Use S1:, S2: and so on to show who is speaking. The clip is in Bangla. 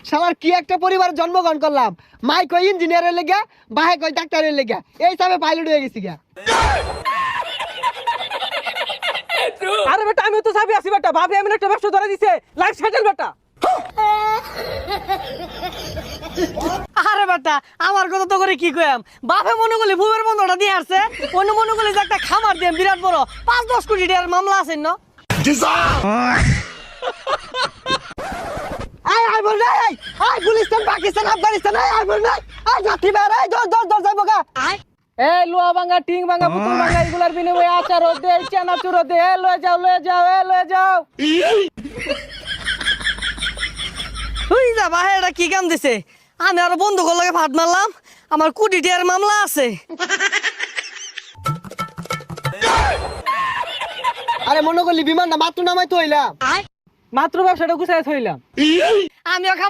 S1: শালার কি একটা পরিবারে জন্মগ্রহণ করলাম। মাই কই ইঞ্জিনিয়ারের লেগা, বাহে কই ডাক্তারের লেগা, এই হিসাবে পাইলট হয়ে গেছি গা।
S2: আরে বেটা আমি তো চাবি আছি বেটা, ভাবি আমি একটা ব্যবসা ধরে দিছে, লাইফ সেটেল বেটা।
S1: আরে বেটা আমার কথা তো করে কি কইম, বাপে মনে করলে ভূমের বন্ধটা দিয়ে আসছে, অন্য মনে করলে যে একটা খামার দিয়ে বিরাট বড় 5-10 কোটি টাকার মামলা আছে না। আই বল নাই, আই গুলিস্তান পাকিস্তান আফগানিস্তান, আই বল নাই, আই জাতি বের, আই দর যাইব গা।
S2: এই লোহা ভাঙা টিং ভাঙা পুতুল ভাঙা এগুলার বিনিময়ে আচার দে, চানাচুর দে, লয়ে যাও লয়ে যাও লয়ে যাও।
S1: তুই যা বাহে, এটা কি কাম দিছে? আমি আর বন্ধু লাগে ভাত মারলাম, আমার কোটি টাকার মামলা আছে। আরে মনে করলি বিমান না মাত্র নামাই তো হইলাম,
S2: মাত্র ব্যবসাটা গুছাই থইলাম।
S1: আমিও